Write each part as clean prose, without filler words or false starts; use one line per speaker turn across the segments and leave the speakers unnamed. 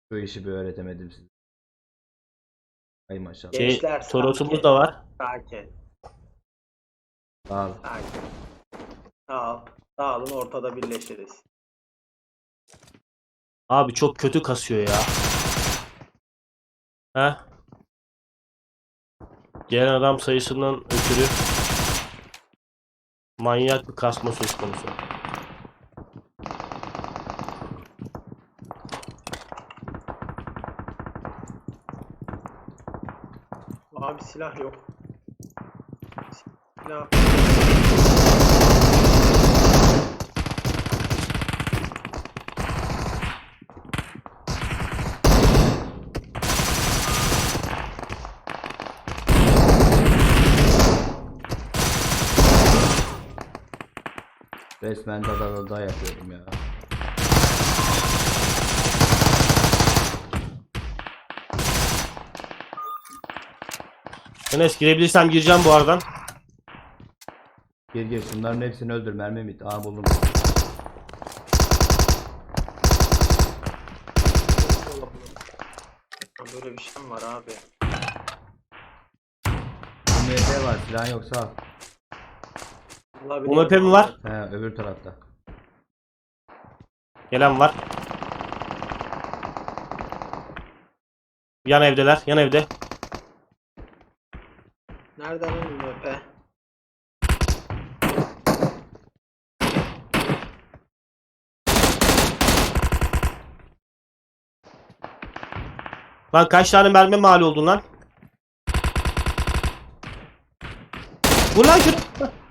Şu işi bir öğretemedim size. Ay maşallah.
Gençler
Torosumuz
sakin.
da var.
Sakin.
Sağ ol.
Sakin. Sağ ol. Sağ olun, ortada birleşiriz.
Abi çok kötü kasıyor ya. Heh. Gelen adam sayısından ötürü manyak bir kasma söz konusu.
Abi silah yok. Silah.
Resmen da yapıyorum ya.
Enes girebilirsem gireceğim bu aradan.
Gir gir, şunların hepsini öldür, mermi bit. Aa buldum.
Böyle bir şey mi var abi?
MP var, silahın yoksa al.
Vallahi
UMP mi var?
He, öbür tarafta.
Gelen var. Yan evdeler. Yan evde.
Nereden lan UMP?
Lan kaç tane mermi mal oldun lan? Vur lan şunu.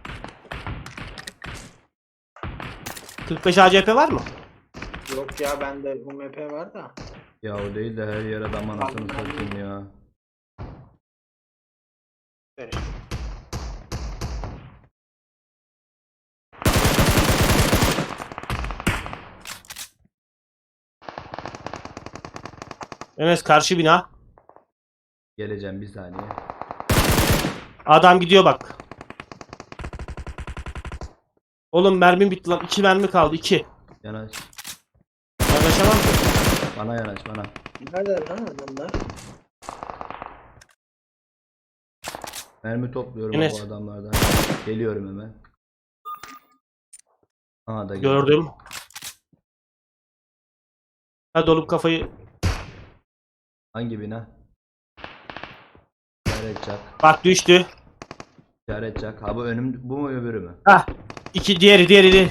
45 ACP var mı?
Yok ya, bende UMP var da.
Ya o değil de her yere adam anasını satayım ya.
Ver.
Enes karşı bina.
Geleceğim bir saniye.
Adam gidiyor bak. Oğlum mermim bitti lan. 2 mermi kaldı. 2.
Yanaş.
Yaklaşamam ki.
Bana yanaş bana.
Nerede lan adamlar?
Mermi topluyorum
Enes.
bu adamlardan. Geliyorum hemen. Aha da geldim.
Gördüm. Hadi oğlum kafayı.
Hangi bina? İşaret çak.
Bak düştü.
İşaret çak. Ha bu önüm, bu mu öbürü mü?
Hah. 2 diğeri.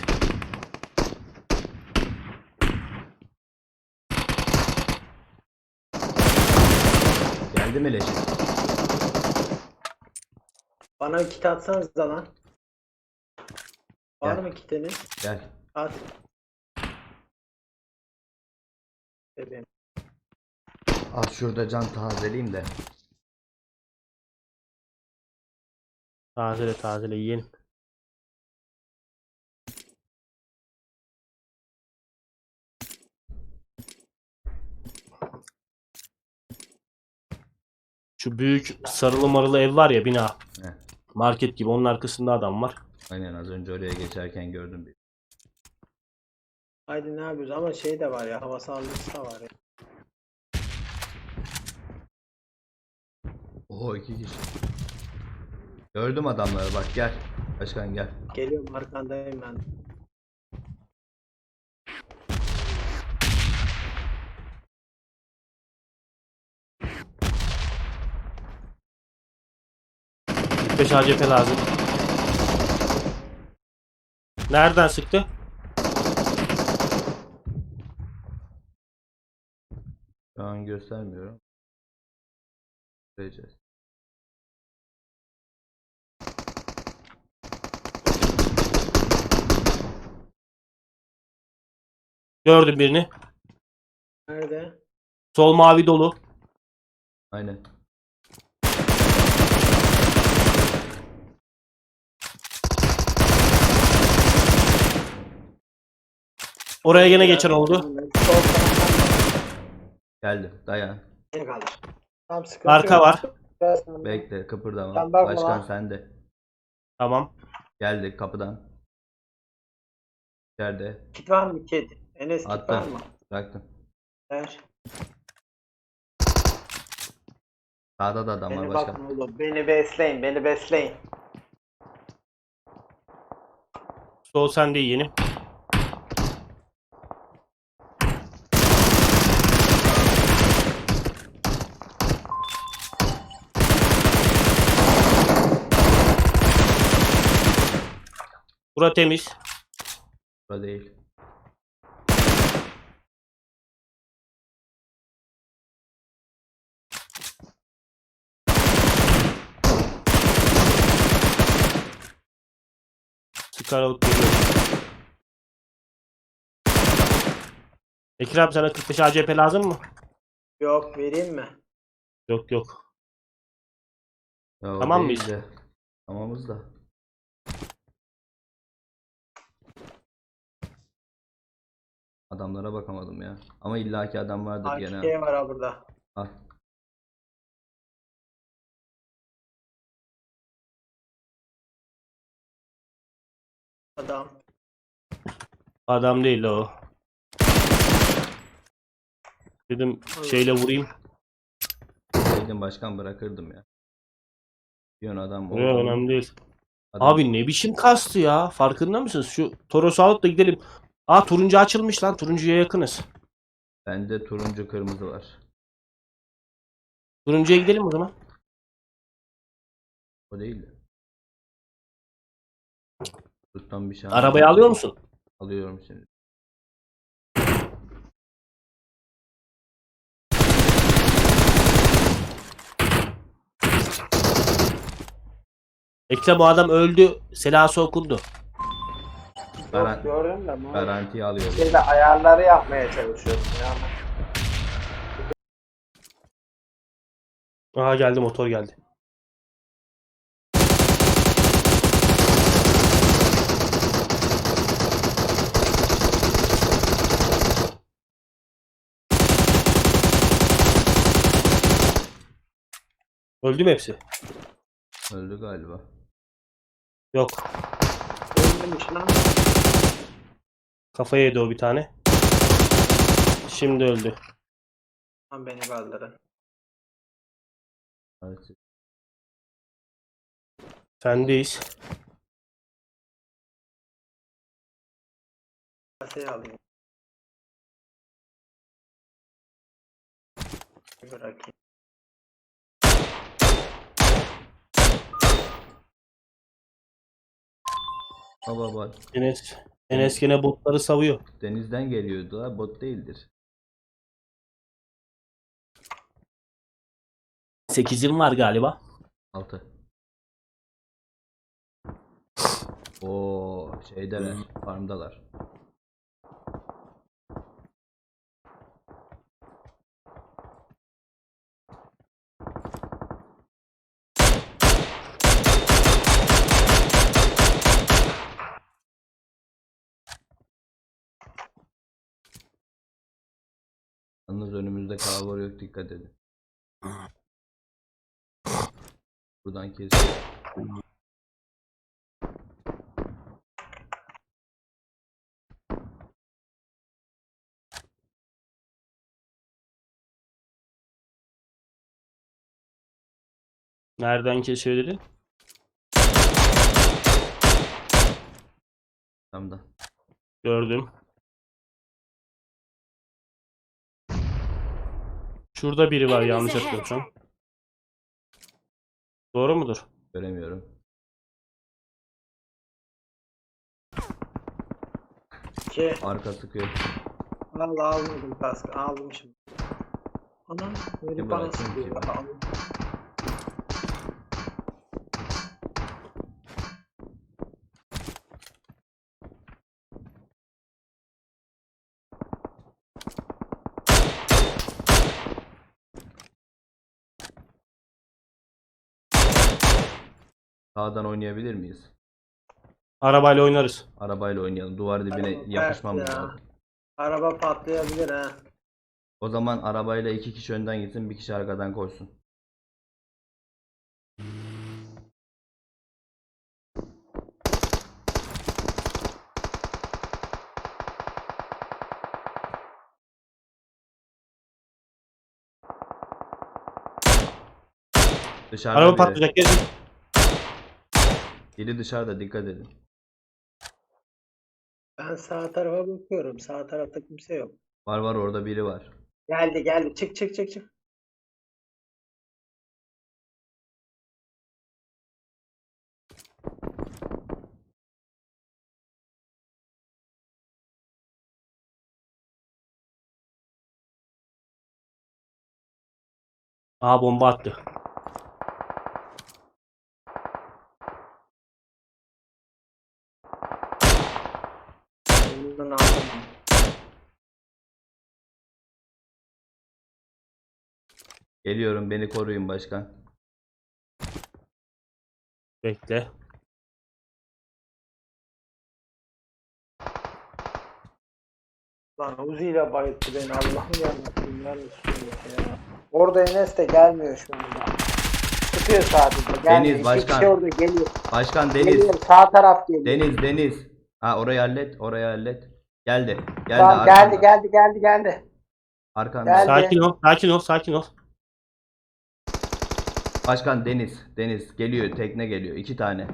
Geldi mi leşi?
Bana bir kit atsanız da lan. Var
Gel.
mı kitiniz?
Gel.
At. Bebeğim.
Az şurada can tazeleyeyim de.
Tazele yiyin. Şu büyük sarılı marılı ev var ya, bina.
Heh.
Market gibi, onun arkasında adam var.
Aynen, az önce oraya geçerken gördüm bir.
Haydi ne yapıyoruz, ama şey de var ya, hava saldırısı da var ya.
Oho, 2 kişi. Gördüm adamları, bak gel. Başkan gel.
Geliyorum, arkandayım ben.
Beş ACP lazım. Nereden sıktı?
Şu an göstermiyorum. Göreceğiz.
Gördüm birini.
Nerede?
Sol mavi dolu.
Aynen.
Oraya gene geçen oldu.
Sol taraftan
Geldim. Dayan.
ne kalır? Tam sıkıntı
Arka
yok.
var.
Gelsin.
Bekle, kıpırdama.
Sen bakma
Başkan
lan.
sende.
Tamam.
Geldik kapıdan. İçeride.
Kit var mı kit? Enes kit var
Attım.
mı?
Bıraktım.
Ver.
Sağda da adam var
Beni
başka.
bakın oğlum. Beni besleyin. Beni besleyin.
Sol sende yeğenim. Bura temiz.
Burada değil.
Scarlet geliyor. Bekir abi sana 45 ACP lazım mı?
Yok, vereyim mi?
Yok yok.
Ya o
Tamam
değil
mıyız?
de. Tamamız da. Adamlara bakamadım ya. Ama illaki adam vardır gene.
AK var ha burada.
Al.
Adam.
Adam değil o. Dedim şeyle vurayım.
Dedim başkan bırakırdım ya. Diyorsun adam
Yok
oldu mu?
önemli değil.
Adam-
Abi ne biçim kastı ya. Farkında mısınız? Şu Toros'u alıp da gidelim. Aa turuncu açılmış lan. Turuncuya yakınız.
Bende turuncu kırmızı var.
Turuncuya gidelim o zaman.
O değil de. Tuttan bir şey
Arabayı alıyor musun?
Alıyorum şimdi.
Bekle bu adam öldü. Selası okundu.
Garan-
Yok, gördüm de.
Garantiye alıyorum.
Şeyde ayarları yapmaya çalışıyorum ya.
Aha geldi motor geldi. Öldü mü hepsi?
Öldü galiba.
Yok.
Ölmemiş lan.
Kafaya yedi o bir tane. Şimdi öldü.
Lan beni kaldırın.
Evet.
Sendeyiz.
Kaseyi alayım. Bir bırakayım.
Baba bak.
Enes gene botları savuyor.
Denizden geliyordu ha. Bot değildir.
8'im var galiba.
6. Oo şeydeler. Farmdalar. Yalnız önümüzde kavga yok, dikkat edin. Buradan kesiyor.
Nereden kesiyor dedi?
Tamam.
Gördüm. Şurada biri var yanlış hatırlıyorsam. Doğru mudur?
Göremiyorum.
İki.
Arka sıkıyor.
Vallahi almadım kaskı. Aldım şimdi. Anam. Beni
Bir
bana
bırakayım
sıkıyor.
ki.
Aldım.
Sağdan oynayabilir miyiz?
Arabayla oynarız.
Arabayla oynayalım. Duvar dibine
Araba
yapışmamız
ters ya.
lazım.
Araba patlayabilir ha.
O zaman arabayla 2 kişi önden gitsin, bir kişi arkadan koşsun. Dışarıda
Araba
biri.
patlayacak. Gelin.
Biri dışarıda, dikkat edin.
Ben sağ tarafa bakıyorum. Sağ tarafta kimse yok.
Var var, orada biri var.
Geldi geldi. Çık çık çık çık.
Aa, bomba attı.
Ondan aldım.
Geliyorum, beni koruyun başkan.
Bekle.
Lan Uzi ile bayılttı beni. Allah'ım yarabbim. Ya. Orada Enes de gelmiyor şu anda. Tutuyor sadece. Gelmiyor. İki
başkan.
kişi orada geliyor.
Başkan Deniz.
Geliyor. Sağ taraf geliyor.
Deniz. Ha, orayı hallet, orayı hallet. Geldi.
Tamam,
arkanda.
geldi.
Arkanda.
Geldi.
Sakin ol.
Başkan Deniz geliyor, tekne geliyor. 2 tane.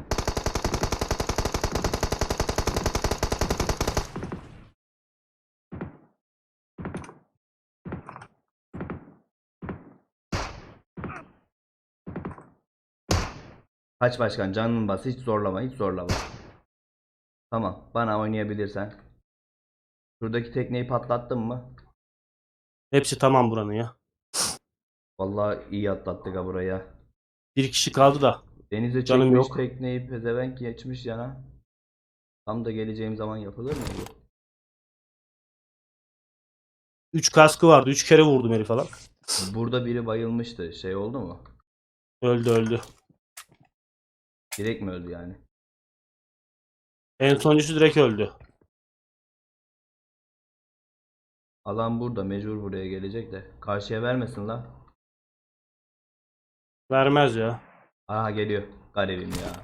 Kaç başkan, canını bas, hiç zorlama. Tamam, bana oynayabilirsen. Şuradaki tekneyi patlattın mı?
Hepsi tamam buranın ya.
Vallahi iyi atlattık ha buraya.
Bir kişi kaldı da.
Denize
Canım
çekmiş
yok.
tekneyi, pezevenk geçmiş yana. Tam da geleceğim zaman yapılır mı bu?
3 kaskı vardı. 3 kere vurdum herif falan.
Burada biri bayılmıştı. Şey oldu mu?
Öldü.
Direkt mi öldü yani?
En sonuncusu direkt öldü.
Alan burada, mecbur buraya gelecek de. Karşıya vermesin la.
Vermez ya.
Aha, geliyor. Garibim ya.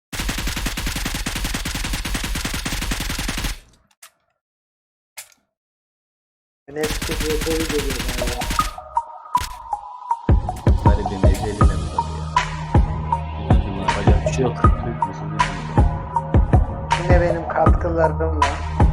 Enes tutuyor geliyor galiba.
Garibim eceline mi tabii ya. Üzüldüm ya.
Yapacak bir şey yok.
Türkmüş, üzüldüm.
Yine benim katkılarım var.